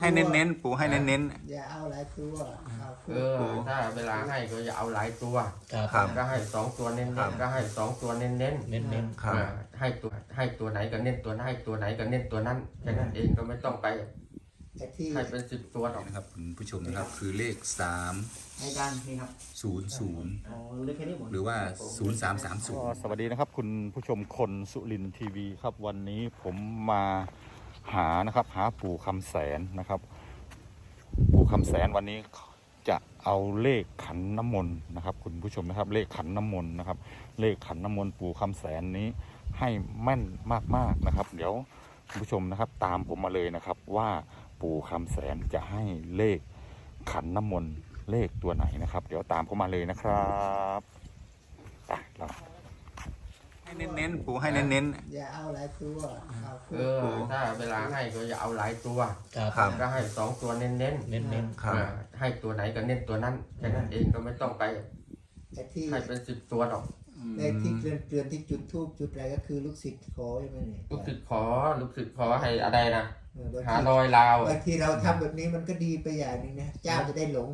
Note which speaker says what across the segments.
Speaker 1: ให้เน้นๆปู่ให้เน้น
Speaker 2: อย่าเอาหลายตัวเอา
Speaker 3: ถ้าเวลาให้ก็อย่าเอาหลายตัว
Speaker 1: ครับ
Speaker 3: ก็ให้สองตัวเน้นๆก็ให้สองตัวเน้นๆ
Speaker 4: เน้น
Speaker 1: ครับ
Speaker 3: ให้ตัวไหนก็เน้นตัวนั้นให้ตัวไหนก็เน้นตัวนั้นแค่นั้นเองก็ไม่ต้องไป
Speaker 2: แต่ที่
Speaker 3: ให้เป็น10 ตัวหรอก
Speaker 1: นะครับคุณผู้ชมนะครับคือเลข
Speaker 2: ในการนี่ครับ
Speaker 1: 300
Speaker 2: อ๋อเล็กแค่นี้หมด
Speaker 1: หรือว่า0330สวัสดีนะครับคุณผู้ชมคนสุรินทร์ทีวีครับวันนี้ผมมาหานะครับหาปู่คำแสนนะครับปู่คำแสนวันนี้จะเอาเลขขันน้ำมนต์นะครับคุณผู้ชมนะครับเลขขันน้ำมนต์นะครับเลขขันน้ำมนต์ปู่คำแสนนี้ให้แม่นมากๆนะครับเดี๋ยวคุณผู้ชมนะครับตามผมมาเลยนะครับว่าปู่คำแสนจะให้เลขขันน้ำมนต์เลขตัวไหนนะครับเดี๋ยวตามผมมาเลยนะครับไปเราให้เน้นๆปู่ให้เน้น
Speaker 2: อย่าเอาหลายตัวเอา
Speaker 3: ถ้าเวลาให้ก็อย่าเอาหลายตัว
Speaker 1: ครับ
Speaker 3: ก็ให้สองตัวเน้น
Speaker 4: เน้น
Speaker 1: ๆครับ
Speaker 3: ให้ตัวไหนก็เน้นตัวนั้นแค่นั้นเองก็ไม่ต้องไป
Speaker 2: แต่ที่
Speaker 3: ให้เป็น10 ตัวหรอก
Speaker 2: ในที่เกลือนที่จุดทูบจุดอะไรก็คือลูกศิษย์ขอใช่ไหมเนี่ย
Speaker 3: ลูกศิษย์ขอให้อะไรนะ
Speaker 2: บาง
Speaker 3: หา
Speaker 2: ที
Speaker 3: รอยลาว
Speaker 2: บางทีเราทำแบบนี้มันก็ดีไปอย่างหนึงนะเจ้าจะได้หลง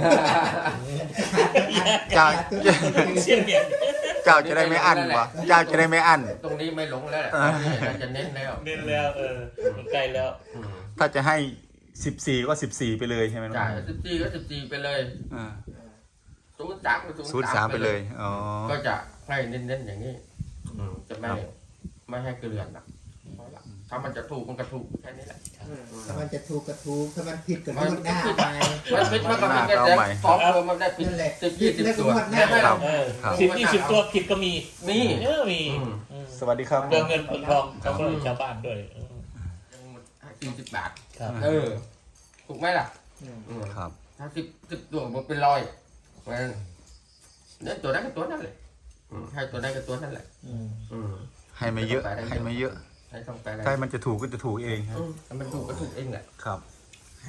Speaker 1: เจ้า
Speaker 4: เสียงเนี่ย
Speaker 1: เจ้าจะได้ไม่อั้นวะเจ้าจะได้ไม่อั้น
Speaker 3: ตรงนี้ไม่หลงแล้วจะเน้นแล้ว
Speaker 4: เน้นแล้วใกล้แล้ว
Speaker 1: ถ้าจะให้14ก็14ไปเลยใช่ไหมน้อง
Speaker 3: จ่าย14ก็14ไปเลย
Speaker 1: อ่า
Speaker 3: 03ก็
Speaker 1: 03ไปเลยอ๋อ
Speaker 3: ก็จะให้เน้นๆอย่างนี้จะไม่ให้เกลื่อนนะถ้ามันจะถูกมันก็ถูกแค่นี้แหละ
Speaker 2: ถ้ามันจะถูกก็ถูกถ้ามันผิดก็รูดหน้าไป
Speaker 3: มันผิดมันก็ผิดแค่แต่สองตัวมันได้ผิด
Speaker 2: นั่นแหละ
Speaker 3: 10-20 ตัว
Speaker 1: ครับ
Speaker 4: 10-20 ตัวผิดก็มี
Speaker 3: มี
Speaker 4: มี
Speaker 1: สวัสดีครับ
Speaker 4: เรื่องเงินเงินทองเขาก็ชาวบ้านด้วย
Speaker 3: 40 บาท
Speaker 4: ครับ
Speaker 3: ถูกไหมล่ะ
Speaker 1: ครับ
Speaker 3: ถ้า10ตัวมันเป็น100เนี่ยตัวนั้นก็ตัวนั้นเลยให้ตัวนั้นก็ตัวนั้นแหละ
Speaker 1: ให้ไม่เยอะให้ไม่เยอะ
Speaker 3: ให้ต้องไปอะไร
Speaker 1: ถ้ามันจะถูกก็จะถูกเองครับ
Speaker 3: มันถูกก็ถูกเองแหละ
Speaker 1: ครับ
Speaker 2: ให้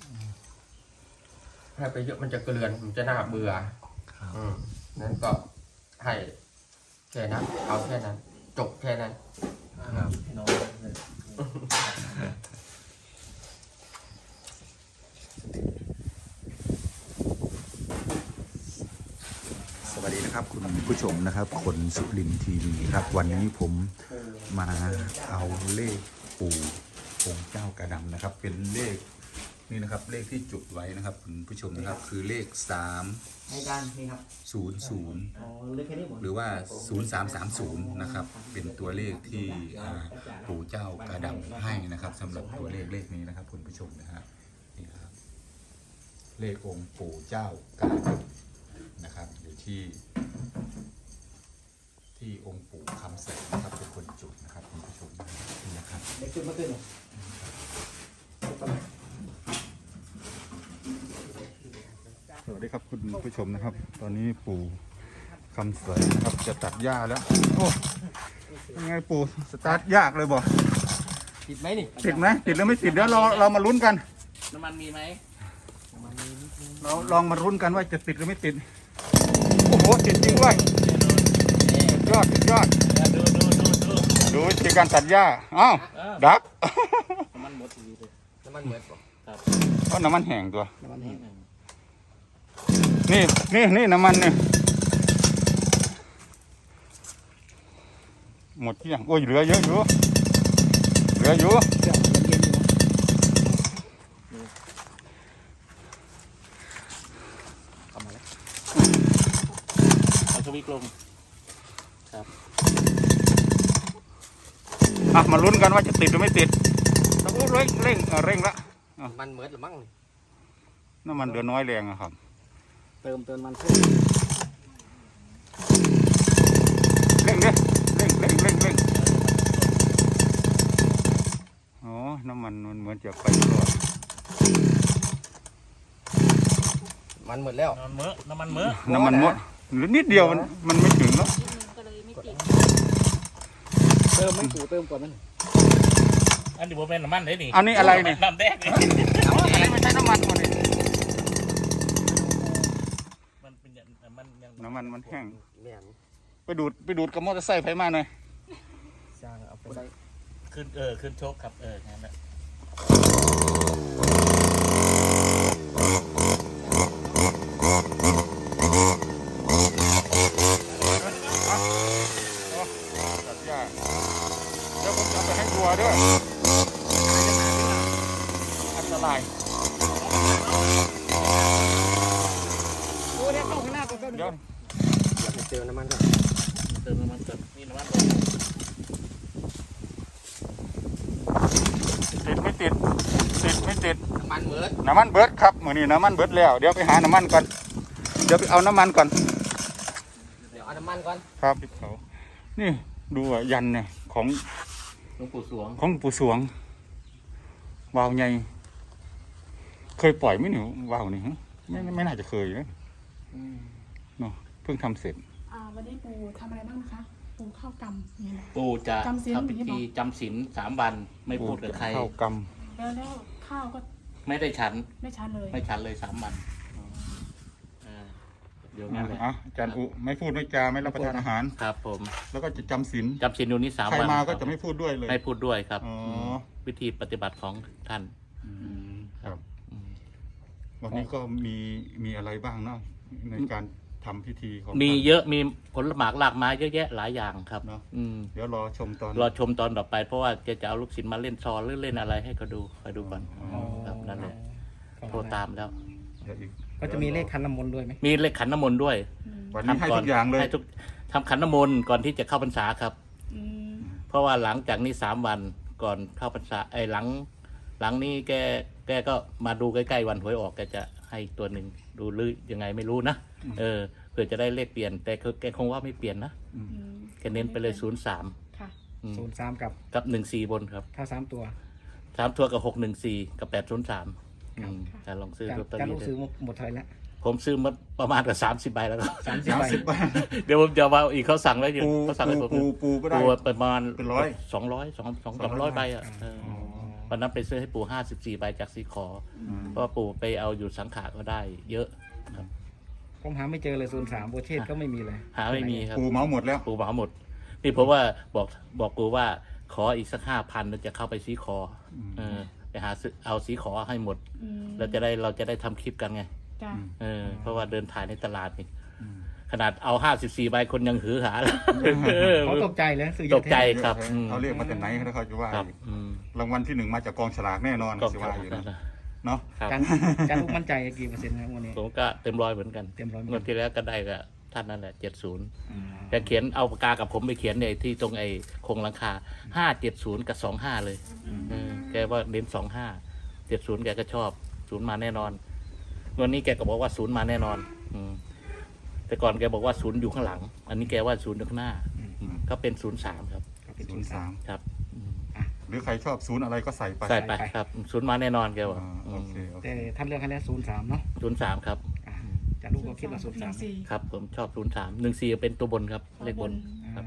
Speaker 3: ให้ไปเยอะมันจะเกลื่อนมันจะน่าเบื่อ
Speaker 1: ครับ
Speaker 3: นั้นก็ให้แค่นั้นเอาแค่นั้นจบแค่นั้น
Speaker 1: ครับ
Speaker 4: น้อง
Speaker 1: สวัสดีนะครับคุณผู้ชมนะครับคนสุรินทร์ทีวีครับ วันนี้ผมมาเอาเลขปู่องค์เจ้ากระดำนะครับ เป็นเลขนี่นะครับเลขที่จุดไว้นะครับคุณผู้ชมนะครับคือเลข
Speaker 2: ในการนี่ครับ
Speaker 1: 300
Speaker 2: อ๋อเล็กแค่นี้หมด
Speaker 1: หรือว่า 0330นะครับเป็นตัวเลขที่ปู่เจ้ากระดำให้นะครับสำหรับตัวเลขนี้นะครับคุณผู้ชมนะฮะนี่ครับเลของค์ปู่เจ้ากระดำนะครับอยู่ที่องค์ปู่คำแสนนะครับเป็นคนจุดนะครับคุณผู้ชมนะครับ
Speaker 2: เล็กขึ้นมาขึ้น
Speaker 1: สวัสดีครับคุณผู้ชมนะครับ ตอนนี้ปู่คำแสนนะครับจะตัดหญ้าแล้วโอ้ยังไงปู่สตาร์ทยากเลยบ่
Speaker 3: ติดไหมนี่
Speaker 1: ติดไหมติดหรือไม่ติดเดี๋ยวเรามาลุ้นกัน
Speaker 4: น้ำมันมีไหม
Speaker 1: เราลองมาลุ้นกันว่าจะติดหรือไม่ติดโอ้โหติดจริงด้วยยอดสุดยอด ดูวิธีการตัดหญ้าอ้าวดัก
Speaker 4: น้ำมันหมดทีเลย
Speaker 3: น้ำมันเหมือน
Speaker 4: ครับ
Speaker 1: ก็น้ำมันแห้งตัว
Speaker 4: น้ำมันแห้ง
Speaker 1: นี่น้ำมันเนี่ยหมดที่ยังโอ้ยเหลือเยอะอยู่
Speaker 4: เอาสวิกลงครับ
Speaker 1: มาลุ้นกันว่าจะติดหรือไม่ติดโอ้เร่งละ
Speaker 3: มันเหมือนหรือมั้ง
Speaker 1: น้ำมันเหลือน้อยแรงอะครับ
Speaker 2: เติมมันขึ้น
Speaker 1: เร่งอ๋อน้ำมันเหมือนจะไปรอด
Speaker 3: มันหมดแล้ว
Speaker 4: น้ำมันเมอะ
Speaker 1: น้ำมันหมดหรือนิดเดียวมันไม่ถึงเนาะ
Speaker 5: ก็เลยไม่ติด
Speaker 2: เติมมันถูเติมก่อนมัน
Speaker 4: อันนี้ผมเป็นน้ำมันเลยนี่
Speaker 1: อันนี้อะไรเนี่ย
Speaker 4: น้ำแดง
Speaker 1: อะไรไม่ใช่น้ำมันหมดเลย
Speaker 4: มันเป็นมันยัง
Speaker 1: น้ำมันมันแห้ง
Speaker 3: แม่น
Speaker 1: ไปดูดกับมอเตอร์ไซค์ไฟมาหน่อย
Speaker 3: สร้างเอาไปใส่
Speaker 4: ขึ้นโชคครับงั้นแหละ
Speaker 1: ตัดหญ้าเดี๋ยวผมจะไปให้วัวด้วยอันตราย
Speaker 5: ดูได้เข้าข้างหน้าก็เป็น
Speaker 1: เดี๋ยว
Speaker 3: อย่าไปเจอน้ำมันก่อน
Speaker 4: เติมน้ำมันเติมนี่น้ำมันลง
Speaker 1: ติดไม่ติดติดไม่ติด
Speaker 3: น้ำมันเบิด
Speaker 1: น้ำมันเบิดครับมื้อนี้น้ำมันเบิดแล้วเดี๋ยวไปหาน้ำมันก่อนเดี๋ยวไปเอาน้ำมันก่อน
Speaker 3: เดี๋ยวเอาน้ำมันก่อน
Speaker 1: ครับเขานี่ดูอ่ะยันเนี่ยของ
Speaker 4: หลวงปู่สวง
Speaker 1: ของปู่สวงวาวใหญ่เคยปล่อยไหมหนูวาวนี่ฮะไม่น่าจะเคยนะเนาะเพิ่งทำเสร็จ
Speaker 5: วันนี้ปูทำอะไรบ้างนะคะ ปูข้าวกำนี่แหละ
Speaker 4: ปู่จะ
Speaker 5: จำศีล
Speaker 4: ทำพิธีจำศีล3 วันไม่พูดกับใคร
Speaker 1: ข้าวก
Speaker 5: แล้วข้าวก็
Speaker 4: ไม่ได้ฉัน
Speaker 5: ไม่ชัดเลย
Speaker 4: ไม่ฉันเลย3 วันเดี๋ยว
Speaker 1: ำ
Speaker 4: งั้นเลย
Speaker 1: อาจารย์อุไม่พูดไม่จาไม่รับประทานอาหาร
Speaker 4: ครับผม
Speaker 1: แล้วก็จะจำศีล
Speaker 4: จำศีลอยู่นี่3
Speaker 1: ใคร
Speaker 4: วัน
Speaker 1: มาก็
Speaker 4: ครับ
Speaker 1: จะไม่พูดด้วยเลย
Speaker 4: ไม่พูดด้วยครับ
Speaker 1: อ๋อ
Speaker 4: วิธีปฏิบัติของท่าน
Speaker 1: ครับ
Speaker 4: อืม
Speaker 1: วันนี้ก็มีอะไรบ้างเนาะในการทำพิธีของ
Speaker 4: มี
Speaker 1: ท่าน
Speaker 4: เยอะมีผลหมากหลากไม้เยอะแยะหลายอย่างครับ
Speaker 1: เนอะ
Speaker 4: อืม
Speaker 1: เดี๋ยวรอชมตอน
Speaker 4: รอชมตอนต่อไปเพราะว่าจะเอาลูกศิษย์มาเล่นซอหรือเล่นอะไรให้เขาดูคอยดูก่อนครับนั่นแหละโทรตามแล้ว
Speaker 1: เดี๋ยวอีก
Speaker 6: ก็จะมีเลขคันน้ำมนต์ด้วยไหม
Speaker 4: มีเลขขันน้ำมนต์ด้วย
Speaker 1: วันนี้ให้ทุกอย่างเลย
Speaker 4: ให้ทุกทำขันน้ำมนต์ก่อนที่จะเข้าพรรษาครับ
Speaker 5: อืม
Speaker 4: เพราะว่าหลังจากนี้3 วันก่อนเข้าพรรษาหลังนี้แกก็มาดูใกล้ๆวันหวยออกแกจะให้ตัวหนึ่งดูหรือยังไงไม่รู้นะเพื่อจะได้เลขเปลี่ยน แต่แกคงว่าไม่เปลี่ยนนะ
Speaker 5: อืม
Speaker 4: แกเน้นไปเลย03
Speaker 5: ค่ะ
Speaker 6: 03กับ
Speaker 4: กับ14บนครับ
Speaker 6: ถ้า3ตัว
Speaker 4: 3 ตัวกับ614กับ803แต่ลองซื้อลอตเตอ
Speaker 6: จะ
Speaker 4: รี่
Speaker 6: รู้
Speaker 4: ดู
Speaker 6: ซื้อหมดเท่าไหร่แล้ว
Speaker 4: ผมซื้อมาประมาณกับ30 ใบแล้วก็
Speaker 6: 30ใบ
Speaker 1: 30 บาท
Speaker 4: เดี๋ยวผมจะว่าอีกเขาสั่งไว้อยู่
Speaker 1: ปู
Speaker 4: เขาสั่งให้ผม
Speaker 1: ปูก็ได้
Speaker 4: ปูประมาณ
Speaker 1: เป็นร้อย
Speaker 4: 200ใบอ่ะวันนั้นไปซื้อให้ปู่54 ใบจากสีขออเพราะว่าปู่ไปเอาอยู่สังขารก็ได้เยอะครับ
Speaker 6: ผมหาไม่เจอเลย03โบเชตก็ไม่มีเลย
Speaker 4: หาไม่มีครับ
Speaker 1: ปูเมาหมดแล้ว
Speaker 4: ปู่เหมาหมดนี่เพราะว่าบอกปู่ว่าขออีกสัก5,000แล้วจะเข้าไปสีขอไปหาซื้อเอาสีขอให้หมด
Speaker 5: อืม
Speaker 4: เราจะได้ทำคลิปกันไง
Speaker 5: จ้ะ
Speaker 4: เพราะว่าเดินถ่ายในตลาดนี่ขนาดเอา54 ใบคนยังหือหาเลย
Speaker 6: เขาตกใจเลยซื้อเย
Speaker 4: ต
Speaker 6: อะ
Speaker 4: กใจ
Speaker 6: แท้
Speaker 4: ครับ
Speaker 1: เอาเรียกมาจากไหนแล้วเขาจะว่า
Speaker 4: ครับ
Speaker 1: อีกรางวัลที่ 1มาจากกองฉลากแน่นอน
Speaker 4: ก็
Speaker 1: สิว่าอยู่นะเนาะ
Speaker 4: ครับ
Speaker 6: การลูกมั่นใจกี่เปอร์เซ็นต์นะวันนี้
Speaker 4: ผมก็เต็มร้อยเหมือนกัน
Speaker 6: เต็มร้อย
Speaker 4: งวดที่แล้วก็ได้กับท่านนั่นแหละ70แต่เขียนเอาปากกากับผมไปเขียนในที่ตรงไอ้โครงหลังคา570กับ25เลยแกว่าเน้น25 70แกก็ชอบ0มาแน่นอนวันนี้แกก็บอกว่า0มาแน่นอนแต่ก่อนแกบอกว่า0อยู่ข้างหลัง อันนี้แกว่า0อยู่ข้างหน้าก็เป็น03ครับ
Speaker 6: เป็น
Speaker 1: 03
Speaker 4: ครับ
Speaker 1: หรือใครชอบศูนย์อะไรก็ใส่ไป
Speaker 4: ใส่ไปครับ0มาแน่นอนแกบอก
Speaker 1: โอเคโอเค
Speaker 6: แต่ท่านเลือกให้แล้ว03เนาะ
Speaker 4: 03ครับ
Speaker 6: จะลูกก็คิดว่า
Speaker 5: หนึ่ง
Speaker 6: 03
Speaker 5: สี่
Speaker 4: ครับผมชอบ03 14เป็นตัวบนครับเลขบน ครับ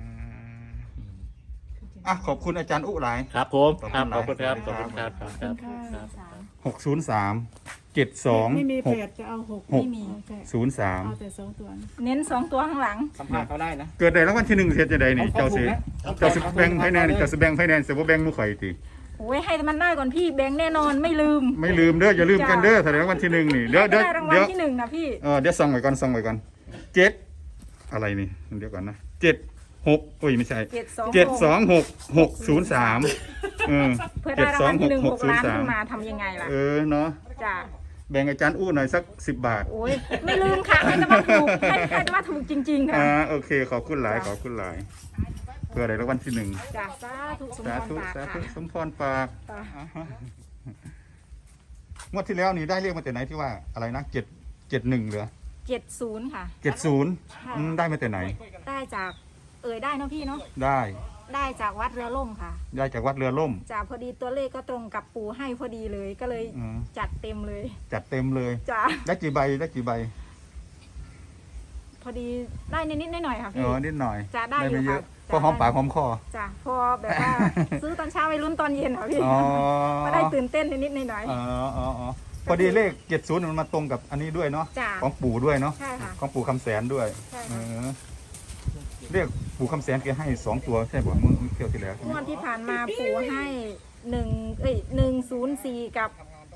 Speaker 1: อ่ะขอบคุณอาจารย์อุหลาย
Speaker 4: ครับผม
Speaker 1: ขอบ
Speaker 4: ค
Speaker 1: คุ
Speaker 4: รับ
Speaker 1: ณ
Speaker 4: ขอบคุณครับ
Speaker 1: ห
Speaker 4: ข
Speaker 1: ลา
Speaker 4: อย บคุณครับ
Speaker 5: ขอบคุณค่ะ
Speaker 1: 603 72
Speaker 5: ไม่มีแปดจะเอา6
Speaker 1: ไม่มี
Speaker 5: เอาแต่2 ตัว
Speaker 7: เน้น2 ตัวข้างหลัง
Speaker 6: สัมภาษณ์เขาได้นะ
Speaker 1: เกิดได้รางวัลที่1เสียจะได้นี่
Speaker 6: เขา
Speaker 1: เจ้าสิ
Speaker 6: ถูกนะ
Speaker 1: เจ้าสิแบ่งไฟแนนซ์เจ้าสิแบ่งไฟแนนซ์สิบ่แบ่งหมู่ข่อยติ
Speaker 7: โอ้ยให้มันได้ก่อนพี่แบงค์แน่นอนไม่ลืม
Speaker 1: ไม่ลืมเด้ออย่าลืมกันเด้อถ้าได้รางวัลที่1นี่เดี๋ยว
Speaker 7: ให้ได้รางวัลที่1นะพี่
Speaker 1: เดี๋ยวส่องไว้ก่อนส่องไว้ก่อน7อะไรนี่เดี๋ยวก่อนนะ76โอ้ยไม่ใช่
Speaker 7: 726
Speaker 1: 726 603
Speaker 7: เพื่อได้รางวัลที่1 6 ล้านขึ้นมาทำยังไงล่ะ
Speaker 1: เนาะ
Speaker 7: จ้ะ
Speaker 1: แบ่งอาจารย์อู้หน่อยสัก10 บาท
Speaker 7: โอ้ยไม่ลืมค่ะให้แต่ว่าถูกให้แต่ว่าถูกจริงๆค่ะ
Speaker 1: โอเคขอบคุณหลายขอบคุณหลาย เพื่อได้รางวัลที่1
Speaker 7: จ้ะสาธุสม
Speaker 1: สา
Speaker 7: พ
Speaker 1: ธุ
Speaker 7: รปาก
Speaker 1: สาธุ
Speaker 7: ค่ะ
Speaker 1: สมพรปาก
Speaker 7: จ้ะ
Speaker 1: งวดที่แล้วนี่ได้เรียกมาแต่ไหนที่ว่าอะไรนะ771เหลือ
Speaker 7: 70ค่ะ
Speaker 1: 70ได้มาแต่ไหน
Speaker 7: ได้จากได้เนาะพี่เนาะ
Speaker 1: ได้
Speaker 7: ได้จากวัดเรือล่มค่ะ
Speaker 1: ได้จากวัดเรือล่ม
Speaker 7: จ้ะพอดีตัวเลขก็ตรงกับปู่ให้พอดีเลยก็เลย
Speaker 1: อืม
Speaker 7: จัดเต็มเลย
Speaker 1: จัดเต็มเลย
Speaker 7: จ้ะ
Speaker 1: ได้กี่ใบได้กี่ใบ
Speaker 7: พอดีได้นิดๆหน่อยๆค่ะพี่
Speaker 1: นิดหน่อย
Speaker 7: จะได้อยู่
Speaker 1: ไม่เย
Speaker 7: ค่ะ
Speaker 1: อะก็หอมปากหอมคอ
Speaker 7: จ้ะพอแบบว่า ซื้อตอนเช้าไปลุ้นตอนเย็นค่ะพี่
Speaker 1: อ๋อ
Speaker 7: ก็ได้ตื่นเต้นนิดๆหน่อย
Speaker 1: อ๋อพอดีเลข70มันมาตรงกับอันนี้ด้วยเนาะ
Speaker 7: จ้ะ
Speaker 1: ของปู่ด้วยเนาะ
Speaker 7: ใช่ค่ะ
Speaker 1: ของปู่คำแสนด้วย
Speaker 7: ใช่
Speaker 1: เอ
Speaker 7: ค่ะ
Speaker 1: เรียกปู่คำแสนแกให้2 ตัวใช่ป่ะเมื่อเที่ยวที่แล้วใช่
Speaker 7: ง
Speaker 1: ไหม
Speaker 7: วดที่ผ่านมาปู่ให้ 104กับ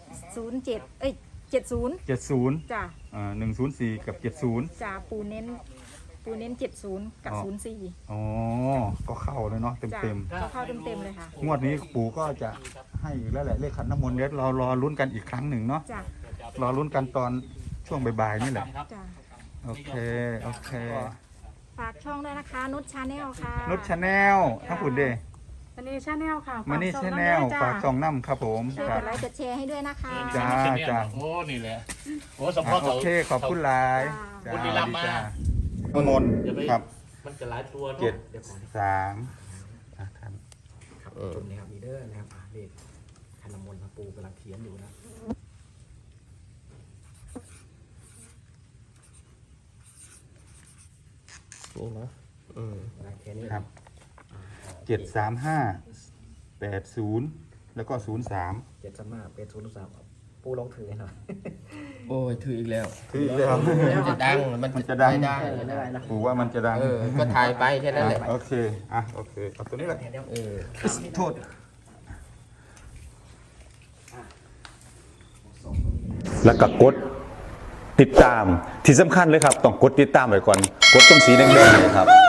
Speaker 7: 0770
Speaker 1: 70
Speaker 7: จ้ะ
Speaker 1: 104 กับ 70
Speaker 7: จ้ะปูเน้น70กับ04
Speaker 1: อ๋อ ก็เข้าเลยเนาะ
Speaker 7: จ้ะ
Speaker 1: เต็ม
Speaker 7: ก็เข้าเต็มๆเลยค่ะ
Speaker 1: ๆงวดนี้ปู่ก็จะให้อีกแล้วแหละเลขขันน้ำมนต์เดี๋ยวเรารอลุ้นกันอีกครั้งหนึ่งเนาะ
Speaker 7: จ้ะ
Speaker 1: รอลุ้นกันตอนช่วงบ่ายๆนี่แหละ
Speaker 7: จ้ะ
Speaker 1: โอเค โอเค
Speaker 7: ฝากช่องด้วยนะคะ นุชชาแนลค่ะ
Speaker 1: นุชชาแนลทั้งคุณเด
Speaker 5: มันนี่ชาแนลค่ะ
Speaker 1: มานี่ชาแนลฝากช่องน้ำครับผม
Speaker 7: ช่วย
Speaker 1: ครั
Speaker 7: ก
Speaker 1: บ
Speaker 7: ดไลค์กดแชร์ให้ด้วยนะคะ
Speaker 1: จ้า จ้า
Speaker 4: โอ้นี่แหละโอ้สมพ
Speaker 1: อ่ะ
Speaker 4: ร
Speaker 1: โอเค ขอบคุณหลาย
Speaker 7: จ้า
Speaker 4: บุรีรัมย์มา
Speaker 1: น้ำมนต์ครับ
Speaker 4: มันจะหลายตัว
Speaker 1: เจ็ด
Speaker 4: เนาะ
Speaker 1: 3ครับ
Speaker 6: ครับจุดนี้ครับมีเดอร์นะครับเลขคันน้ำมนต์พระปูกำลังเขียนอยู่นะ
Speaker 3: นี่นะ
Speaker 6: กำลังเขียนนี่
Speaker 1: ครับ 735 80 แล้วก็ 03
Speaker 6: 735เป็น0 3ปูลองถือให้หน่อย
Speaker 3: โอ้ยถืออีกแล้ว
Speaker 1: คืออีกแล้ว
Speaker 3: มันจะดัง
Speaker 1: มันจะดัง
Speaker 3: ไม่ได้
Speaker 6: ได้นะ
Speaker 1: ปู่ว่ามันจะดัง
Speaker 3: ก็ถ่ายไปแค่นั้นแหละ
Speaker 1: โอเค โอเค เอาตัวนี้แหละ
Speaker 3: เออ
Speaker 1: โทษ
Speaker 8: แล้วก็กดติดตามที่สำคัญเลยครับ ต้องกดติดตามไว้ก่อน กดตรงสีแดงๆเนยครับ